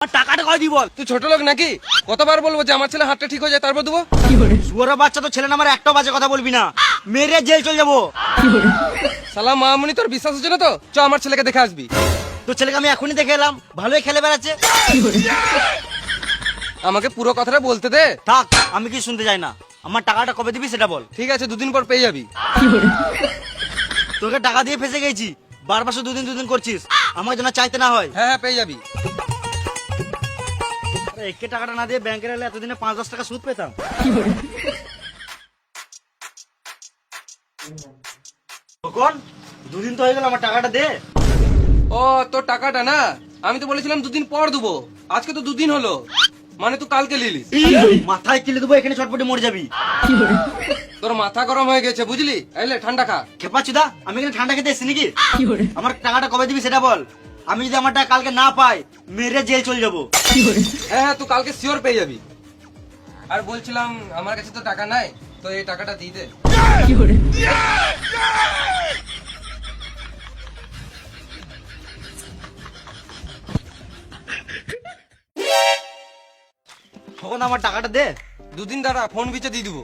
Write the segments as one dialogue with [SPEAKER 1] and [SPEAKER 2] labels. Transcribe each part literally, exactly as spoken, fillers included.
[SPEAKER 1] টাকাটা কয় দিই বল।
[SPEAKER 2] তুই ছোট লোক নাকি? কতবার বলবো যে আমার ছেলে হাতটা ঠিক হয়ে যায় তারপর দেবো?
[SPEAKER 1] শুয়োরের বাচ্চা তো ছেলে নামার একটাও বাজে কথা বলবি না, মেরে জেল চলে যাবো।
[SPEAKER 2] সালাম মামুনি, তোর বিশ্বাস হচ্ছে না তো? চ আমার ছেলেকে দেখে আসবি।
[SPEAKER 1] তোর ছেলেকে আমি এখনই দেখে এলাম, ভালোই খেলে বেড়াচ্ছে।
[SPEAKER 2] আমাকে পুরো কথাটা বলতে দে।
[SPEAKER 1] থাক, আমি কি শুনতে চাই না। আমার টাকাটা কবে দিবি সেটা বল।
[SPEAKER 2] ঠিক আছে, দুদিন পর পেয়ে যাবি।
[SPEAKER 1] তোকে টাকা দিয়ে ফেসে গেছি, বারবার শুধু দুদিন দুদিন করছিস, আমার জন্য চাইতে না হয়।
[SPEAKER 2] হ্যাঁ হ্যাঁ পেয়ে যাবি।
[SPEAKER 1] আরে একে টাকাটা না দিয়ে ব্যাংকে এলে এতদিনে পাঁচ দশ টাকা সুদ পেতাম। কখন দুদিন তো হয়ে গেল, আমার টাকাটা দে।
[SPEAKER 2] ও তোর টাকাটা না, আমি তো বলেছিলাম দুদিন পর দেবো। আজকে তো দুদিন হলো, মানে তুই কালকে লিলিস।
[SPEAKER 1] মাথায় কিলে দেবো, এখানে চটপটে মরে যাবি।
[SPEAKER 2] তোর মাথা গরম হয়ে গেছে বুঝলি? এলে ঠান্ডা খা।
[SPEAKER 1] খেপাচ্ছি দা, আমি এখানে ঠান্ডা খেতে এসেছি নাকি? আমার টাকাটা কবে দিবি সেটা বল। আমি যদি আমার টাকা কালকে না পাই, মেরে জেল চলে যাবো।
[SPEAKER 2] হ্যাঁ হ্যাঁ তুই কালকে শিওর পেয়ে যাবি। আর বলছিলাম আমার কাছে তো টাকা নাই, তো এই টাকাটা দিয়ে দে।
[SPEAKER 1] তখন আমার টাকাটা দে।
[SPEAKER 2] দুদিন দাঁড়া, ফোন বিচে দিয়ে দিবো।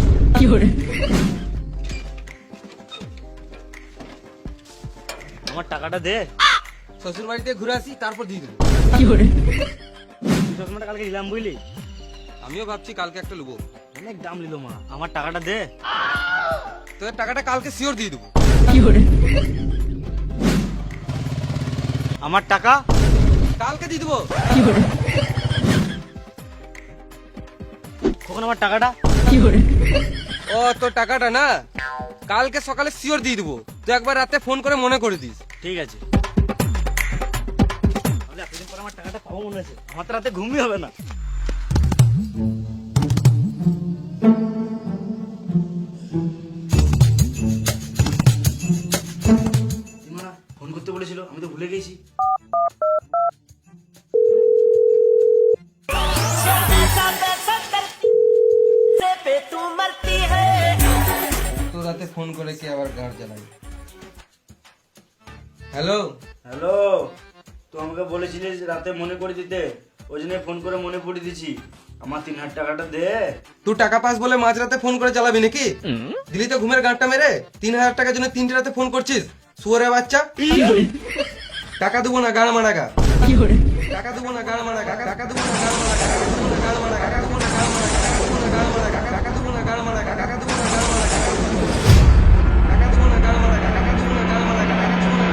[SPEAKER 1] আমার টাকাটা দে।
[SPEAKER 2] শ্বশুর বাড়িতে ঘুরে আসি তারপর দিয়ে দেবো।
[SPEAKER 1] চশমাটা কালকে নিলাম বুঝলি,
[SPEAKER 2] আমিও ভাবছি কালকে একটা নেবো।
[SPEAKER 1] অনেক দাম নিল মা। আমার টাকাটা দে।
[SPEAKER 2] তোর টাকাটা কালকে শিওর দিয়ে দেবো।
[SPEAKER 1] আমার টাকা
[SPEAKER 2] কালকে দিয়ে দেবো।
[SPEAKER 1] কখন আমার টাকাটা?
[SPEAKER 2] ও তোর টাকাটা না, কালকে সকালে শিওর দিয়ে দেবো। তুই একবার রাতে ফোন করে মনে করে দিস।
[SPEAKER 1] ঠিক আছে। তাহলে এতদিন পর আমার টাকাটা পাবো মনে হচ্ছে, আমার তো রাতে ঘুমই হবে না। মা ফোন করতে বলেছিল, আমি তো ভুলে গেছি।
[SPEAKER 2] তো রাতে ফোন করে কি আবার গাড় জ্বালাই। হ্যালো
[SPEAKER 1] হ্যালো, তো আমাকে বলেছিলিস রাতে মনে করে দিতে, ওই জন্য ফোন করে মনে পড়িয়ে দিছি। আমার তিন হাজার টাকাটা দে।
[SPEAKER 2] তুই টাকা পাস বলে মাঝরাতে ফোন করে চালাবি নাকি? দিলি তো ঘুমের গাঁটটা মেরে। তিন হাজার টাকার জন্য তিনটে রাতে ফোন করছিস, শুয়োরের বাচ্চা। টাকা দেবো না গাড় মারা গা। টাকা দেবো না গাড় মারা গা। টাকা দেবো না গাড় মারা গা। গাড় মারা গা। টাকা দেবো না গাড় মারা গা। টাকা দেবো না গাড় মারা গা। টাকা দেবো না গাড় মারা গা। টাকা দেবো না গাড় মারা গা। টাকা দেবো না গাড় মারা গা।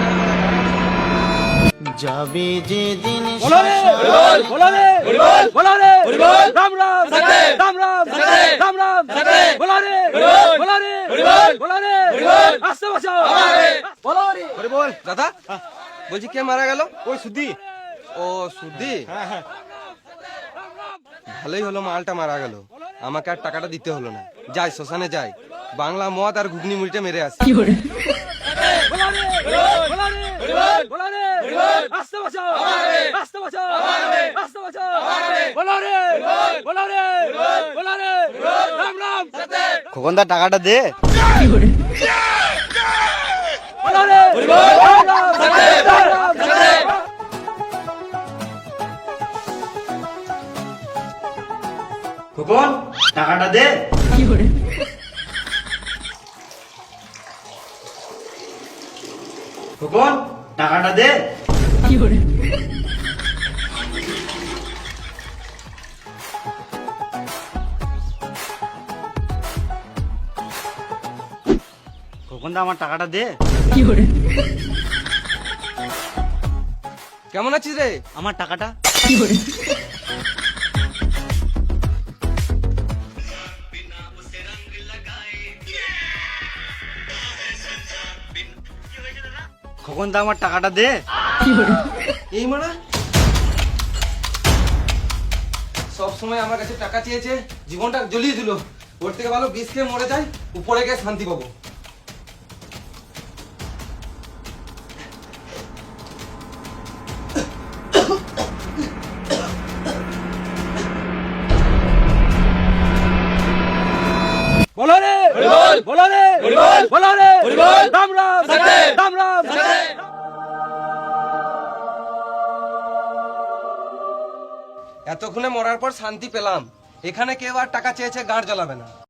[SPEAKER 1] যাবে যে দিন
[SPEAKER 3] बोलो रे बोलो रे बोलो रे राम राम राम राम राम राम बोलो रे बोलो रे बोलो रे आस्ते बचाओ बोलो रे
[SPEAKER 1] আরে বল।
[SPEAKER 2] দাদা বলছি কে মারা গেল?
[SPEAKER 1] ওই সুদি।
[SPEAKER 2] ও সুদি।
[SPEAKER 1] হ্যাঁ হ্যাঁ।
[SPEAKER 2] ভালোই হলো মালটা মারা গেল, আমাকে আর টাকাটা দিতে হলো না। যাই শ্মশানে যাই, বাংলা মদ আর ঘুগনি মুড়িটা মেরে আসি।
[SPEAKER 3] बोलो रे बोलो रे बोलो रे आस्ते बचाओ आस्ते बचाओ आस्ते बचाओ बोलो रे बोलो रे बोलो रे राम राम
[SPEAKER 1] খোকনদা টাকাটা দে।
[SPEAKER 3] बोलो रे राम राम राम राम
[SPEAKER 1] খোকন টাকাটা দে। খোকন টাকাটা দে। খোকনদা আমার টাকাটা দে।
[SPEAKER 2] কেমন আছিস রে?
[SPEAKER 1] আমার টাকাটা। খোকনদা আমার টাকাটা দে।
[SPEAKER 2] এই মারা সব সময় আমার কাছে টাকা চেয়েছে, জীবনটা জ্বলিয়ে দিল। ওর থেকে ভালো বিষ খেয়ে মরে যায়, উপরে গিয়ে শান্তি পাবো।
[SPEAKER 3] बोलो रे बोलो रे बोलो रे राम राम राम राम
[SPEAKER 2] এতক্ষণে মরার পর শান্তি পেলাম। এখানে কেউ আর টাকা চেয়েছে গাঁড় জ্বলাবে না।